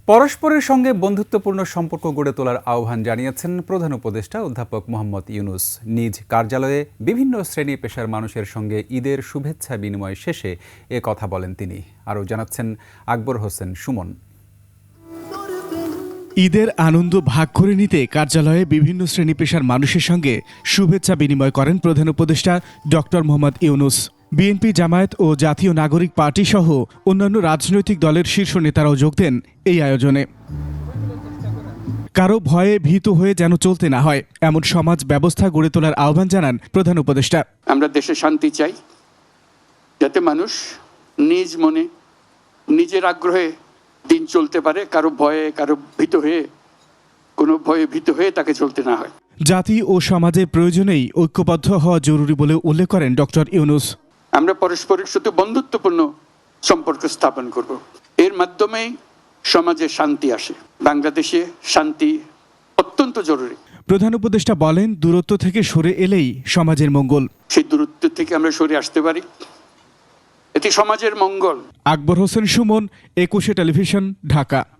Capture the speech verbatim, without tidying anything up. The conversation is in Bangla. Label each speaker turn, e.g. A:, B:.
A: পরস্পরের সঙ্গে বন্ধুত্বপূর্ণ সম্পর্ক গড়ে তোলার আহ্বান জানিয়েছেন প্রধান উপদেষ্টা অধ্যাপক মোহাম্মদ ইউনুস। নিজ কার্যালয়ে বিভিন্ন শ্রেণী পেশার মানুষের সঙ্গে ঈদের শুভেচ্ছা বিনিময় শেষে এ কথা বলেন তিনি। আরও জানাচ্ছেন আকবর হোসেন সুমন।
B: ঈদের আনন্দ ভাগ করে নিতে কার্যালয়ে বিভিন্ন শ্রেণী পেশার মানুষের সঙ্গে শুভেচ্ছা বিনিময় করেন প্রধান উপদেষ্টা ডক্টর মোহাম্মদ ইউনুস। বিএনপি, জামায়াত ও জাতীয় নাগরিক পার্টি সহ অন্যান্য রাজনৈতিক দলের শীর্ষ নেতারাও যোগ দেন এই আয়োজনে। কারো ভয়ে ভীত হয়ে যেন চলতে না হয়, এমন সমাজ ব্যবস্থা গড়ে তোলার আহ্বান জানান প্রধান উপদেষ্টা।
C: আমরা দেশে শান্তি চাই, যাতে মানুষ নিজ মনে নিজের আগ্রহে দিন চলতে পারে, কারো ভয়ে কারো ভীত হয়ে কোনো ভয়ে ভীত হয়ে তাকে চলতে না হয়।
B: জাতি ও সমাজের প্রয়োজনেই ঐক্যবদ্ধ হওয়া জরুরি বলে উল্লেখ করেন ডক্টর ইউনুস।
C: আমরা পরস্পরের সাথে বন্ধুত্বপূর্ণ সম্পর্ক স্থাপন করব, এর মাধ্যমেই সমাজে শান্তি আসে। বাংলাদেশে শান্তি অত্যন্ত জরুরি।
B: প্রধান উপদেষ্টা বলেন, দূরত্ব থেকে সরে এলেই সমাজের মঙ্গল।
C: সেই দূরত্ব থেকে আমরা সরে আসতে পারি, এটি সমাজের মঙ্গল।
B: আকবর হোসেন সুমন, একুশে টেলিভিশন, ঢাকা।